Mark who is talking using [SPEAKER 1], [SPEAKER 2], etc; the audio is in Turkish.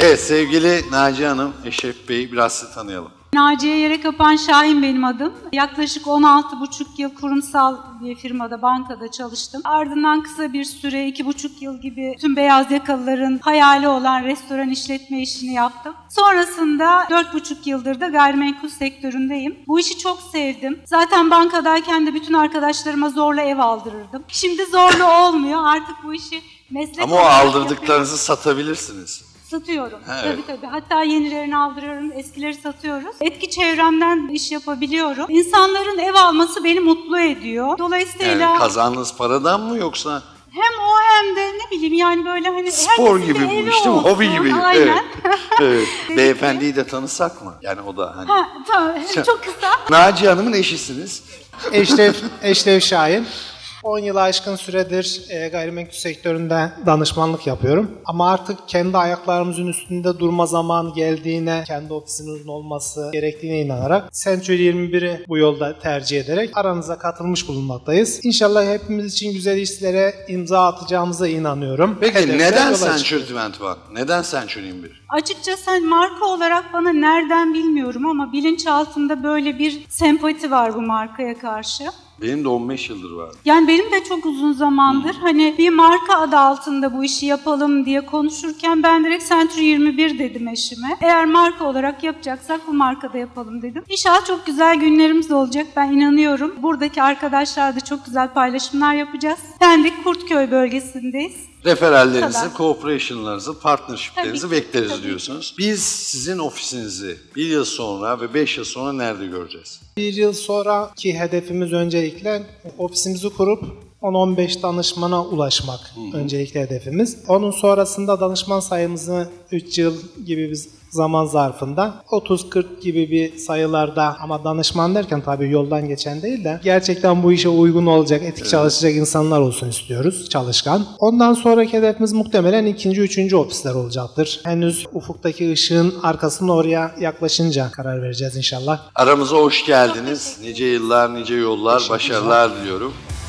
[SPEAKER 1] Evet, sevgili Naciye Hanım, Eşref Bey'i biraz sizi tanıyalım.
[SPEAKER 2] Naciye Yerekapan Şahin benim adım. Yaklaşık 16,5 yıl kurumsal bir firmada, bankada çalıştım. Ardından kısa bir süre, 2,5 yıl gibi tüm beyaz yakalıların hayali olan restoran işletme işini yaptım. Sonrasında 4,5 yıldır da gayrimenkul sektöründeyim. Bu işi çok sevdim. Zaten bankadayken de bütün arkadaşlarıma zorla ev aldırırdım. Şimdi zorla olmuyor. Artık bu işi meslek
[SPEAKER 1] Ama o
[SPEAKER 2] olarak
[SPEAKER 1] aldırdıklarınızı satabilirsiniz.
[SPEAKER 2] satıyorum.
[SPEAKER 1] Evet.
[SPEAKER 2] Tabii. Hatta yenilerini aldırıyorum, eskileri satıyoruz. Etki çevremden iş yapabiliyorum. İnsanların ev alması beni mutlu ediyor. Dolayısıyla
[SPEAKER 1] Yani kazandığınız paradan mı yoksa
[SPEAKER 2] hem o hem de ne bileyim yani böyle hani
[SPEAKER 1] spor
[SPEAKER 2] herkesin
[SPEAKER 1] gibi
[SPEAKER 2] bir
[SPEAKER 1] bu
[SPEAKER 2] evi
[SPEAKER 1] işte,
[SPEAKER 2] olsun.
[SPEAKER 1] hobi gibi.
[SPEAKER 2] Aynen.
[SPEAKER 1] Evet. Beyefendiyi de tanısak mı? Yani o da hani.
[SPEAKER 2] Ha, tamam. Çok kısa.
[SPEAKER 1] Naciye Hanım'ın eşisiniz.
[SPEAKER 3] Eşref Şahin. 10 yılı aşkın süredir gayrimenkul sektöründe danışmanlık yapıyorum. Ama artık kendi ayaklarımızın üstünde durma zamanı geldiğine, kendi ofisimizin olması gerektiğine inanarak Century 21'i bu yolda tercih ederek aranıza katılmış bulunmaktayız. İnşallah hepimiz için güzel işlere imza atacağımıza inanıyorum.
[SPEAKER 1] Peki
[SPEAKER 3] Hedefler
[SPEAKER 1] neden
[SPEAKER 3] yola
[SPEAKER 1] Century
[SPEAKER 3] çıkıyoruz.
[SPEAKER 1] 21? Neden Century 21?
[SPEAKER 2] Açıkçası hani marka olarak bana nereden bilmiyorum ama bilinçaltımda böyle bir sempati var bu markaya karşı.
[SPEAKER 1] Benim de 15 yıldır var.
[SPEAKER 2] Yani benim de çok uzun zamandır hani bir marka adı altında bu işi yapalım diye konuşurken ben direkt Century 21 dedim eşime. Eğer marka olarak yapacaksak bu markada yapalım dedim. İnşallah çok güzel günlerimiz olacak, ben inanıyorum. Buradaki arkadaşlar da çok güzel paylaşımlar yapacağız. Pendik Kurtköy bölgesindeyiz.
[SPEAKER 1] Referallerinizi,
[SPEAKER 2] Kadar.
[SPEAKER 1] cooperation'larınızı, partnership'lerinizi
[SPEAKER 2] Tabii ki,
[SPEAKER 1] bekleriz
[SPEAKER 2] tabii ki.
[SPEAKER 1] diyorsunuz. Biz sizin ofisinizi 1 yıl sonra ve 5 yıl sonra nerede göreceğiz?
[SPEAKER 3] Bir yıl sonraki hedefimiz öncelikle ofisimizi kurup 10-15 danışmana ulaşmak öncelikle hedefimiz. Onun sonrasında danışman sayımızı 3 yıl gibi bir zaman zarfında 30-40 gibi bir sayılarda, ama danışman derken tabii yoldan geçen değil de gerçekten bu işe uygun olacak, etik çalışacak insanlar olsun istiyoruz, çalışkan. Ondan sonraki hedefimiz muhtemelen 2. 3. ofisler olacaktır. Henüz ufuktaki ışığın arkasında oraya yaklaşınca karar vereceğiz inşallah.
[SPEAKER 1] Aramıza hoş geldiniz. Nice yıllar, nice yollar, başarılar diliyorum.